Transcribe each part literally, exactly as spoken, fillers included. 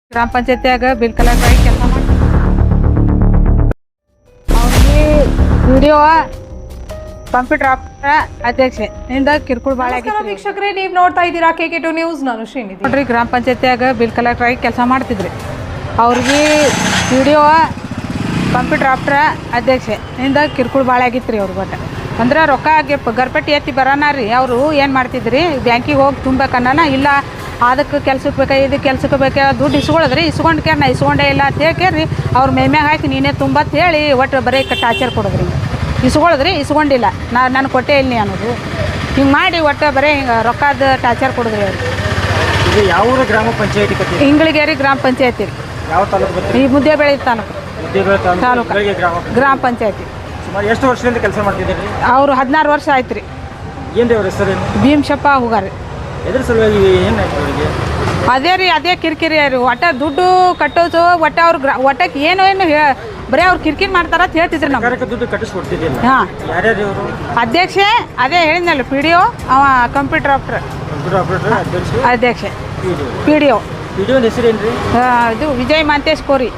ಗ್ರಾಮ ಪಂಚಾಯತಿಯಾಗ bill collector ಆಗಿ ಕೆಲಸ ಮಾಡಿ ಅವ್ರಿಗೆ ವಿಡಿಯೋ ಕಂಪ್ಯೂಟರ್ ಆಪರೇಟರ್ ಅಧ್ಯಕ್ಷೆ ಇಂದ ಕಿರ್ಕುಳ ಭಾಳ ನಮಸ್ಕಾರ ವೀಕ್ಷಕರೇ, ನೀವು ನೋಡ್ತಾ ಇದ್ದೀರಾ ಕೆ ಕೆ ಟು ನ್ಯೂಸ್. ನಾನು ಶ್ರೀನಿಧಿ. ನೋಡ್ರಿ, ಗ್ರಾಮ ಪಂಚಾಯತಿಯಾಗ ಬಿಲ್ ಕಲೆಕ್ಟರ್ ಆಗಿ ಕೆಲಸ ಮಾಡ್ತಿದ್ರಿ. ಅವ್ರಿಗೆ ವಿಡಿಯೋ ಕಂಪ್ಯೂಟರ್ ಆಪರೇಟರ್ ಅಧ್ಯಕ್ಷೆ ಇಂದ ಕಿರ್ಕುಳ ಭಾಳ ಆಗಿತ್ತು ರೀ. ಅವ್ರಿಗೆ ಒಟ್ಟು ಅಂದ್ರೆ ರೊಕ್ಕ ಗರ್ಪಟ್ಟಿ ಎತ್ತಿ ಬರೋಣ ರೀ. ಅವರು ಏನು ಮಾಡ್ತಿದ್ರಿ, ಬ್ಯಾಂಕಿಗೆ ಹೋಗಿ ತುಂಬಬೇಕನ್ನ ಇಲ್ಲ ಅದಕ್ಕೆ ಕೆಲ್ಸಕ್ಕೆ ಬೇಕಾ ಇದು ಕೆಲ್ಸಕ್ಕೆ ಬೇಕಾ ದುಡ್ಡು ಇಸ್ಕೊಳ್ಳೋದ್ರಿ. ಇಸ್ಕೊಂಡು ಕೇರ್ ನಾ ಇಸ್ಕೊಂಡೇ ಇಲ್ಲ ಅಂತ ಹೇಳ್ಕೇರಿ ಅವ್ರ ಮೇಮ್ಯಾಗ ಹಾಕಿ ನೀನೇ ತುಂಬತ್ ಹೇಳಿ ಒಟ್ಟು ಬರೀ ಟಾರ್ಚರ್ ಕೊಡೋದ್ರಿ. ಇಸ್ಕೊಳ್ಳೋದ್ರಿ, ಇಸ್ಕೊಂಡಿಲ್ಲ ನಾ ನಾನು ಕೊಟ್ಟೇ ಇಲ್ಲ ಅನ್ನೋದು ಹಿಂಗೆ ಮಾಡಿ ಒಟ್ಟು ಬರೀ ಹಿಂಗೆ ರೊಕ್ಕದ ಟಾರ್ಚರ್ ಕೊಡೋದ್ರಿ ಅವ್ರು. ಇದು ಯಾವ ಗ್ರಾಮ ಪಂಚಾಯತಿ ಕತೆ? ಇಂಗಳಿಗೇರಿ ಗ್ರಾಮ ಪಂಚಾಯತಿ ರೀ. ಯಾವ ತಾಲೂಕು? ಈ ಮುದ್ದೇಬೇಳೆ ತಾಲೂಕು ತಾಲೂಕು ಗ್ರಾಮ ಪಂಚಾಯತಿ. ಸುಮಾರು ಎಷ್ಟು ವರ್ಷದಿಂದ ಕೆಲಸ ಮಾಡ್ತಿದ್ದೀರಿ? ಅವರು ಹದಿನಾರು ವರ್ಷ ಆಯ್ತು ರೀ. ಏನು ಅವ್ರ ಹೆಸರೇನು? ಭೀಮಶಪ್ಪ ಹೋಗಾರಿ. ಎದ್ರ ಸಲುವಾಗಿ ಏನಾಯ್ತು ಅವರಿಗೆ? ಅದೇ ರೀ, ಅದೇ ಕಿರಿಕಿರಿ ರೀ. ಒಟ್ಟ ದುಡ್ಡು ಕಟ್ಟೋದು ಒಟ್ಟ ಅವ್ರು ಗ್ರಾ ಒಟ್ಟಕ್ಕೆ ಏನು ಏನು ಹೇ ಬರೀ ಅವ್ರು ಕಿರಿಕಿರಿ ಮಾಡ್ತಾರ ಅಂತ ಹೇಳ್ತಿದ್ರು ನಮ್ಮ. ಸರ್ಕಾರಕ್ಕೆ ದುಡ್ಡು ಕಟ್ಟಿಸ್ಕೊಡ್ತಿದ್ದಿಲ್ಲ. ಹಾಂ, ಯಾರ್ಯಾರು ಇವರು? ಅಧ್ಯಕ್ಷೆ ಅದೇ ಹೇಳಿದ್ನಲ್ಲ, ಪಿ ಡಿ ಒ ಅವ ಕಂಪ್ಯೂಟರ್ ಆಪರೇಟರ್ ಕಂಪ್ಯೂಟರ್ ಆಪರೇಟರ್ ಅಧ್ಯಕ್ಷ ಅಧ್ಯಕ್ಷೆ P D O. P D O P D ಒನ ಹೆಸರೇನು ರೀ? ಇದು ವಿಜಯ್ ಮಾಂತೇಶ್ ಕೋರಿ.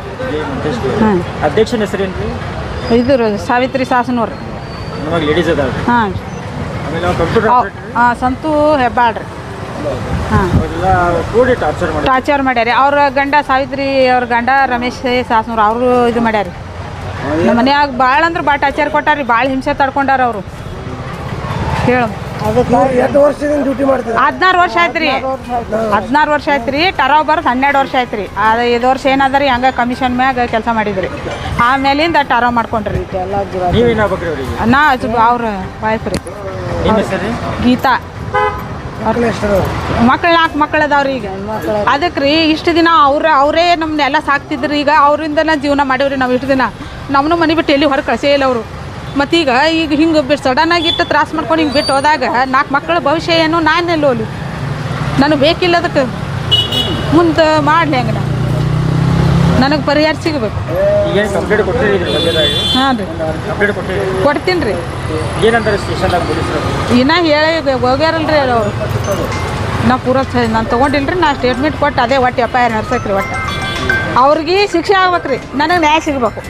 ಹಾಂ, ಅಧ್ಯಕ್ಷನ ಹೆಸರೇನು ರೀ? ಇದು ರೀ ಸಾವಿತ್ರಿ ಸಾಸನೂರು. ನಮಗೆ ಲೇಡೀಸ್ ಅದಾವ. ಹಾಂ, ಆಮೇಲೆ ನಾವು ಕಂಪ್ಯೂಟರ್ ಆಪರೇಟರ್ ಹಾಂ ಸಂತು ಹೆಬ್ಬಾಳ್ರಿ. ಹಾಂ, ಅವರೆಲ್ಲ ಕೂಡಿ ಟಾರ್ಚರ್ ಮಾಡಿ ಟಾರ್ಚರ್ ಮಾಡ್ಯಾರಿ. ಅವ್ರ ಗಂಡ ಸಾವಿತ್ರಿ ಅವ್ರ ಗಂಡ ರಮೇಶ್ ಸಾಸನೂರು ಅವರು ಇದು ಮಾಡ್ಯಾರಿ. ನಮ್ಮ ಮನ್ಯಾಗ ಭಾಳ ಅಂದ್ರೆ ಭಾಳ ಟಾರ್ಚರ್ ಕೊಟ್ಟಾರಿ. ಭಾಳ ಹಿಂಸೆ ತಡ್ಕೊಂಡಾರ ಅವರು. ಹೇಳು, ಎಷ್ಟು ವರ್ಷದಿಂದ ಡ್ಯೂಟಿ ಮಾಡ್ತೀವಿ? ಹದಿನಾರು ವರ್ಷ ಆಯ್ತು ರೀ. ಹದಿನಾರು ವರ್ಷ ಆಯ್ತು ರೀ. ಟರಾವ್ ಬರೋದು ಹನ್ನೆರಡು ವರ್ಷ ಆಯ್ತು ರೀ. ಅದು ಐದು ವರ್ಷ ಏನದ ರೀ ಹಂಗೆ ಕಮಿಷನ್ ಮ್ಯಾಗ ಕೆಲಸ ಮಾಡಿದ್ರಿ. ಆಮೇಲಿಂದ ಟರಾವ್ ಮಾಡ್ಕೊಂಡ್ರಿ. ನೀವೇನಾಗ್ಬೇಕ್ರಿ ಅವರಿಗೆ? ನಾ ಅವ್ರ ವೈಫ್ ರೀ. ನಿಮ್ಮ ಹೆಸರು ರೀ? ಗೀತಾ. ಮಕ್ಕಳ ಹೆಸರು? ಮಕ್ಳು ನಾಲ್ಕು ಮಕ್ಕಳು ಅದಾವ್ರಿ. ಈಗ ಅದಕ್ಕೆ ರೀ ಇಷ್ಟು ದಿನ ಅವ್ರ ಅವರೇ ನಮ್ಮನ್ನೆಲ್ಲ ಸಾಕ್ತಿದ್ರಿ. ಈಗ ಅವರಿಂದನೇ ಜೀವನ ಮಾಡೀವ್ರಿ ನಾವು ಇಷ್ಟು ದಿನ. ನಮ್ಮನ್ನು ಮನೆ ಬಿಟ್ಟು ಎಲ್ಲಿ ಹೊರಗೆ ಕಳಿಸೇ ಇಲ್ಲ ಅವರು. ಮತ್ತೀಗ ಈಗ ಹಿಂಗೆ ಬಿಟ್ಟು ಸಡನ್ನಾಗಿ ಇಟ್ಟು ತ್ರಾಸ ಮಾಡ್ಕೊಂಡು ಹಿಂಗೆ ಬಿಟ್ಟು ಹೋದಾಗ ನಾಲ್ಕು ಮಕ್ಕಳ ಭವಿಷ್ಯ ಏನು, ನಾನು ಎಲ್ಲೋ ಅಲ್ಲಿ ನನಗೆ ಬೇಕಿಲ್ಲ. ಅದಕ್ಕೆ ಮುಂದೆ ಮಾಡಲಿ ಹಂಗೆ ನಾನು ನನಗೆ ಪರಿಹಾರ ಸಿಗಬೇಕು. ಈಗೇನು ಕಂಪ್ಲೇಂಟ್ ಕೊಟ್ಟಿರಿ ಇದ್ರ ಬಗ್ಗೆದಾಗಿ? ಹಾಂ ರೀ, ಕಂಪ್ಲೇಂಟ್ ಕೊಟ್ಟಿರಿ? ಕೊಡ್ತೀನಿ ರೀ. ಏನಂತಾರೆ ಸ್ಟೇಷನ್ದಾಗ ಪೊಲೀಸರು? ಇನ್ನೂ ಹೇಳಿ ಹೋಗ್ಯಾರಲ್ರಿ ಅವರು. ನಾ ಪೂರ ನಾನು ತೊಗೊಂಡಿಲ್ಲ ರೀ. ನಾ ಸ್ಟೇಟ್ಮೆಂಟ್ ಕೊಟ್ಟು ಅದೇ ಒಟ್ಟು ಎಫ್ ಐ ಆರ್ ನಡ್ಸಕ್ಕೆ ರೀ. ಒಟ್ಟು ಅವ್ರಿಗೆ ಶಿಕ್ಷೆ ಆಗ್ಬೇಕು ರೀ. ನನಗೆ ನ್ಯಾಯ ಸಿಗಬೇಕು.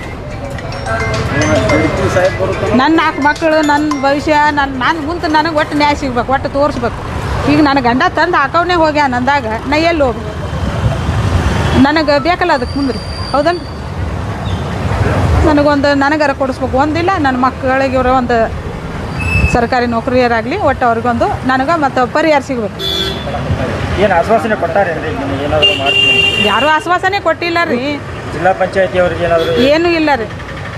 ನನ್ನ ನಾಲ್ಕು ಮಕ್ಕಳು, ನನ್ನ ಭವಿಷ್ಯ, ನನ್ನ ನಾನು ಮುಂದೆ ನನಗೆ ಒಟ್ಟು ನ್ಯಾಯ ಸಿಗ್ಬೇಕು. ಒಟ್ಟು ತೋರಿಸ್ಬೇಕು. ಈಗ ನನ್ನ ಗಂಡ ತಂದು ಹಾಕವನೇ ಹೋಗ್ಯ ನಂದಾಗ ನಾ ಎಲ್ಲಿ ಹೋಗ್ಬೇಕು? ನನಗೆ ಬೇಕಲ್ಲ ಅದಕ್ಕೆ ಮುಂದೆ ರೀ. ಹೌದಲ್ಲ, ನನಗೊಂದು ನನಗಾರ ಕೊಡಿಸ್ಬೇಕು. ಒಂದಿಲ್ಲ ನನ್ನ ಮಕ್ಕಳಿಗೆ ಇವರು ಒಂದು ಸರ್ಕಾರಿ ನೌಕರಿಯರಾಗಲಿ ಒಟ್ಟು ಅವ್ರಿಗೊಂದು ನನಗೆ ಮತ್ತು ಪರಿಹಾರ ಸಿಗಬೇಕು. ಏನು ಆಶ್ವಾಸನೆ ಕೊಟ್ಟಾರೇನ್ರಿ? ಏನಾದರೂ ಮಾಡ್ತೀನಿ? ಯಾರೂ ಆಶ್ವಾಸನೆ ಕೊಟ್ಟಿಲ್ಲ ರೀ. ಜಿಲ್ಲಾ ಪಂಚಾಯತಿ ಅವ್ರಿಗೆ ಏನಾದರೂ? ಏನೂ ಇಲ್ಲ ರೀ.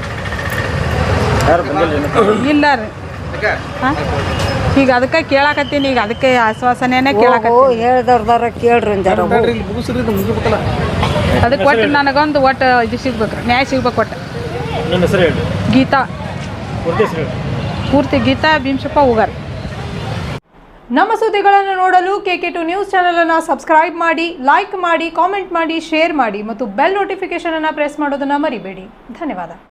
ಯಾರು ಬಂದಿಲ್ಲ? ಇಲ್ಲ ರೀ. ಹಾಂ, ಈಗ ಅದಕ್ಕೆ ಕೇಳಾಕತ್ತೀನಿ. ಈಗ ಅದಕ್ಕೆ ಆಶ್ವಾಸನೆನೇ ಕೇಳಾಕತ್ತೀನಿ. ಹೇಳ್ದವ್ರದಾರ ಕೇಳ್ರಿ ಅಂತಾರ. ಅದಕ್ಕೆ ಒಟ್ಟು ನನಗೊಂದು ಒಟ್ಟು ಇದು ಸಿಗ್ಬೇಕು ರೀ, ನ್ಯಾಯ ಸಿಗ್ಬೇಕು. ಒಟ್ಟು ನಿಮ್ಮ ಹೆಸರು ಹೇಳಿ? ಗೀತಾ. ಪೂರ್ತಿ ಹೆಸರು ಹೇಳಿ? ಪೂರ್ತಿ ಗೀತಾ ಭೀಮಶಪ್ಪ ಹೋಗಾರಿ. ನಮ್ಮ ಸುದ್ದಿಗಳನ್ನು ನೋಡಲು K K two news channel ಅನ್ನು ಸಬ್ಸ್ಕ್ರೈಬ್ ಮಾಡಿ, ಲೈಕ್ ಮಾಡಿ, ಕಾಮೆಂಟ್ ಮಾಡಿ, ಶೇರ್ ಮಾಡಿ ಮತ್ತು ಬೆಲ್ ನೋಟಿಫಿಕೇಶನ್ ಅನ್ನು ಪ್ರೆಸ್ ಮಾಡೋದನ್ನ ಮರಿಬೇಡಿ. ಧನ್ಯವಾದ.